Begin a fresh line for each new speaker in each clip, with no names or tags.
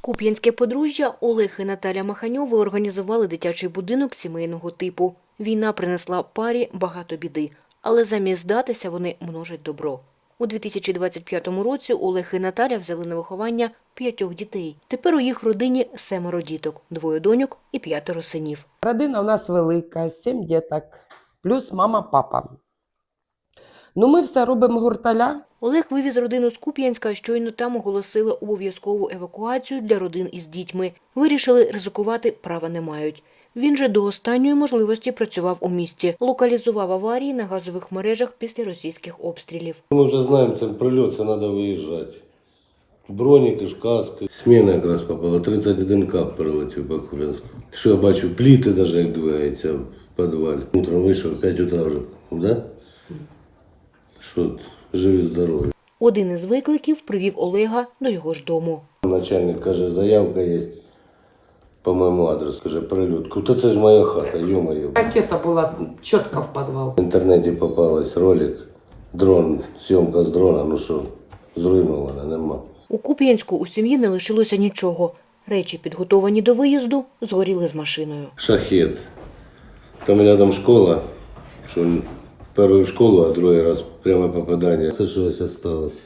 Куп'янське подружжя Олег і Наталя Маханьови організували дитячий будинок сімейного типу. Війна принесла парі багато біди, але замість здатися вони множать добро. У 2025 році Олег і Наталя взяли на виховання 5 дітей. Тепер у їх родині 7 діток, 2 доньок і 5 синів.
Родина у нас велика, 7 діток, плюс мама, папа. Ну, ми все робимо гурталя.
Олег вивіз родину з Куп'янська, щойно там оголосили обов'язкову евакуацію для родин із дітьми. Вирішили, ризикувати права не мають. Він же до останньої можливості працював у місті. Локалізував аварії на газових мережах після російських обстрілів.
Ми вже знаємо, це прильот, це треба виїжджати. Броніки, каски. Сміна якраз попала, 31 кап перелетів по Куп'янську. Що я бачу, пліти навіть як двигаються в підвалі. Утром вийшов, 5 утра вже, да? Що, живі, здорові.
Один із викликів привів Олега до його ж дому.
Начальник каже, заявка є по моєму адресу, каже, прильот. То це ж моя хата, ё-моё.
Ракета була чітко в підвал.
В інтернеті попалась ролик, дрон, зйомка з дрона, ну що, зруйнована, нема.
У Куп'янську у сім'ї не лишилося нічого. Речі, підготовані до виїзду, згоріли з машиною.
Шахет. Там рядом школа, що першу в школу, а другий раз пряме попадання. Це щось осталось.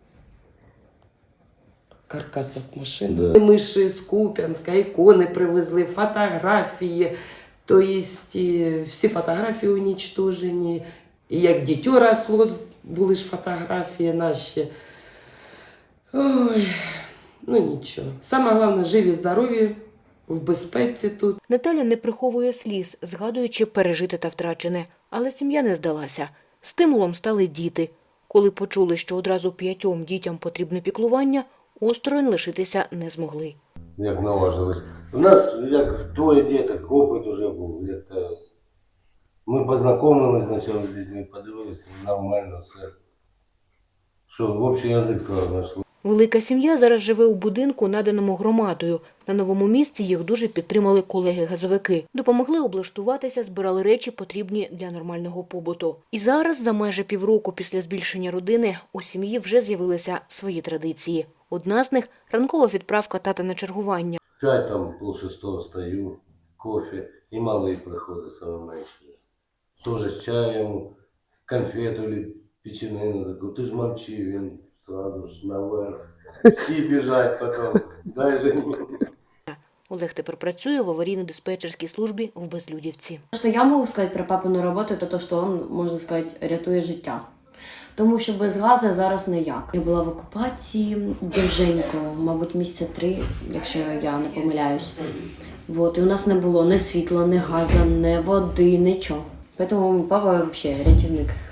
Каркас від машини.
Да.
Ми ж з Куп'янська, ікони привезли, фотографії. Тобто всі фотографії уничтожені. І як дитё росло, були ж фотографії наші. Ой, ну нічого. Саме головне, живі, здорові, в безпеці тут.
Наталя не приховує сліз, згадуючи пережите та втрачене. Але сім'я не здалася. Стимулом стали діти. Коли почули, що одразу 5 дітям потрібне піклування, осторонь лишитися не змогли.
Як наважились. У нас як 2 діток, опит вже був. Як-то ми познайомились спочатку з дітьми, подивилися, нормально все. Що, в общий язик сразу знайшли.
Велика сім'я зараз живе у будинку, наданому громадою. На новому місці їх дуже підтримали колеги-газовики. Допомогли облаштуватися, збирали речі, потрібні для нормального побуту. І зараз, за майже півроку після збільшення родини, у сім'ї вже з'явилися свої традиції. Одна з них – ранкова відправка тата на чергування.
5, там, 5:30 встаю, кофе, і малий приходить саме менше. Тоже з чаєм, конфету или печенину таку. Ти ж мовчи, він сразу ж наверх. Всі біжать потім, дай же мені.
Олег тепер працює в аварійно-диспетчерській службі в Безлюдівці.
Що я можу сказати про папину роботу, то те, що він, можна сказати, рятує життя. Тому що без газу зараз ніяк. Я була в окупації довженько, мабуть, місяця 3, якщо я не помиляюсь. Вот, і у нас не було ні світла, ні газу, ні води, нічого. Тому папа взагалі рятівник.